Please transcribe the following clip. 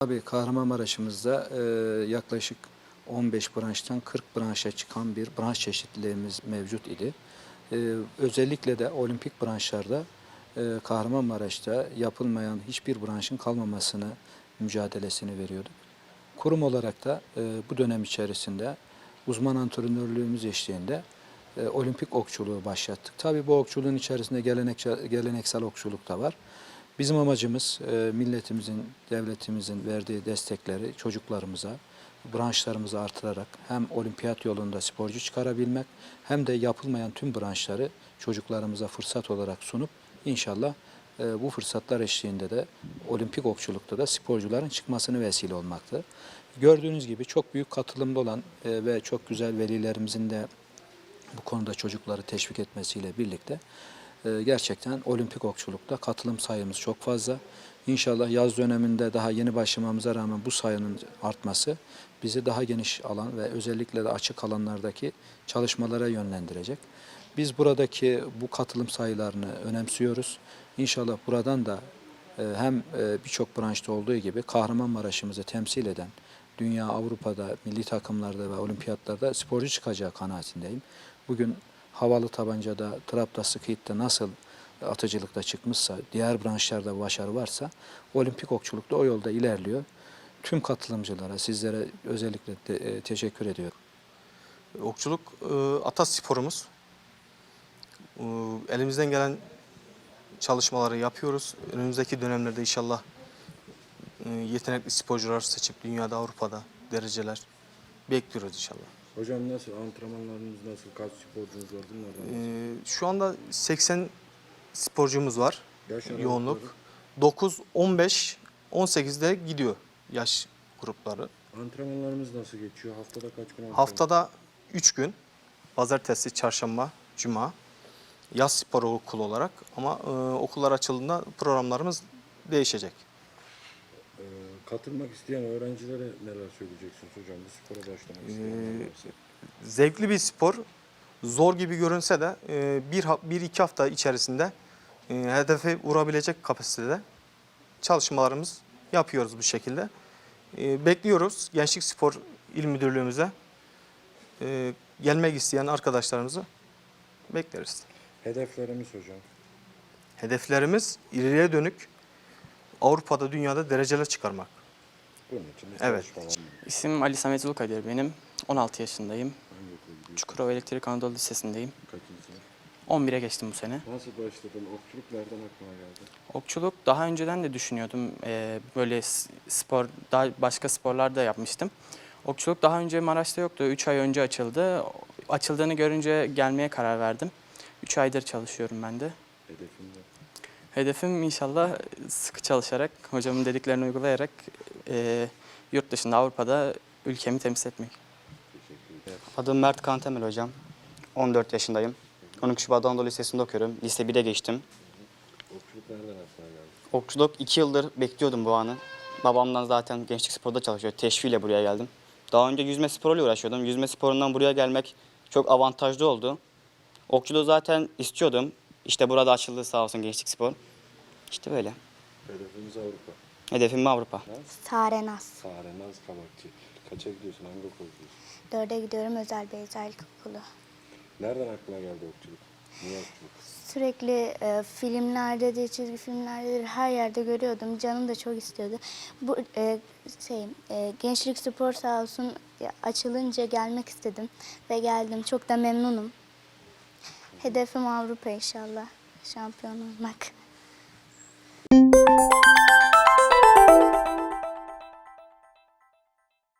Tabii Kahramanmaraş'ımızda yaklaşık 15 branştan 40 branşa çıkan bir branş çeşitliliğimiz mevcut idi. Özellikle de olimpik branşlarda Kahramanmaraş'ta yapılmayan hiçbir branşın kalmamasını mücadelesini veriyorduk. Kurum olarak da bu dönem içerisinde uzman antrenörlüğümüz eşliğinde olimpik okçuluğu başlattık. Tabii bu okçuluğun içerisinde geleneksel okçuluk da var. Bizim amacımız milletimizin, devletimizin verdiği destekleri çocuklarımıza, branşlarımızı artırarak hem olimpiyat yolunda sporcu çıkarabilmek hem de yapılmayan tüm branşları çocuklarımıza fırsat olarak sunup inşallah bu fırsatlar eşliğinde de olimpik okçulukta da sporcuların çıkmasını vesile olmaktı. Gördüğünüz gibi çok büyük katılımda olan ve çok güzel velilerimizin de bu konuda çocukları teşvik etmesiyle birlikte gerçekten olimpik okçulukta katılım sayımız çok fazla. İnşallah yaz döneminde daha yeni başlamamıza rağmen bu sayının artması bizi daha geniş alan ve özellikle de açık alanlardaki çalışmalara yönlendirecek. Biz buradaki bu katılım sayılarını önemsiyoruz. İnşallah buradan da hem birçok branşta olduğu gibi Kahramanmaraş'ımızı temsil eden dünya, Avrupa'da, milli takımlarda ve olimpiyatlarda sporcu çıkacağı kanaatindeyim. Bugün havalı tabancada, trapta, skeette nasıl atıcılıkta çıkmışsa, diğer branşlarda başarı varsa olimpik okçulukta o yolda ilerliyor. Tüm katılımcılara, sizlere özellikle teşekkür ediyorum. Okçuluk atasporumuz. Elimizden gelen çalışmaları yapıyoruz. Önümüzdeki dönemlerde inşallah yetenekli sporcular seçip dünyada, Avrupa'da dereceler bekliyoruz inşallah. Hocam nasıl? Antrenmanlarınız nasıl? Kaç sporcunuz var? Şu anda 80 sporcumuz var. Yaş Yoğunluk. aralıkları? 9, 15, 18'de gidiyor yaş grupları. Antrenmanlarımız nasıl geçiyor? Haftada kaç gün antrenman? Haftada 3 gün. Pazartesi, çarşamba, cuma. Yaz spor okulu olarak ama okullar açıldığında programlarımız değişecek. Katılmak isteyen öğrencilere neler söyleyeceksiniz hocam? Bu spora başlamak isteyenler varsa. Zevkli bir spor. Zor gibi görünse de bir iki hafta içerisinde hedefe vurabilecek kapasitede çalışmalarımız yapıyoruz bu şekilde. Bekliyoruz Gençlik Spor İl Müdürlüğümüze gelmek isteyen arkadaşlarımızı bekleriz. Hedeflerimiz hocam. Hedeflerimiz ileriye dönük Avrupa'da, dünyada dereceler çıkarmak. Bunun için de Evet. çalışmalar mı? İsmim Ali Samet Ulukadir benim. 16 yaşındayım. Hangi okula gidiyorsun? Çukurova Elektrik Anadolu Lisesi'ndeyim. Kaçıncı sınıf? 11'e geçtim bu sene. Nasıl başladın? Okçuluk nereden aklına geldi? Okçuluk daha önceden de düşünüyordum. Böyle spor, daha başka sporlar da yapmıştım. Okçuluk daha önce Maraş'ta yoktu. 3 ay önce açıldı. Açıldığını görünce gelmeye karar verdim. 3 aydır çalışıyorum ben de. Hedefin ne? Hedefim inşallah sıkı çalışarak, hocamın dediklerini uygulayarak yurt dışında, Avrupa'da ülkemi temsil etmek. Teşekkür ederim. Adım Mert Kantemel hocam. 14 yaşındayım. 12 Şubat Anadolu Lisesi'nde okuyorum. Lise 1'e geçtim. Okçuluk nereden aklına geldi? Okçuluk 2 yıldır bekliyordum bu anı. Babamdan zaten gençlik sporda çalışıyor. Teşviğiyle buraya geldim. Daha önce yüzme sporuyla uğraşıyordum. Yüzme sporundan buraya gelmek çok avantajlı oldu. Okçuluğu zaten istiyordum. İşte burada açıldı sağ olsun gençlik spor. İşte böyle. Hedefimiz Avrupa. Hedefim Avrupa. Sarenaz. Sarenaz Kabakçı. Kaça gidiyorsun? Hangi okula gidiyorsun? 4'e gidiyorum Özel Beyazıt Okulu. Nereden aklına geldi okçuluk? Niye okçuluk? Sürekli filmlerde de, çizgi filmlerde de her yerde görüyordum. Canım da çok istiyordu. Bu Gençlik Spor sağ olsun açılınca gelmek istedim ve geldim. Çok da memnunum. Hedefim Avrupa inşallah. Şampiyon olmak.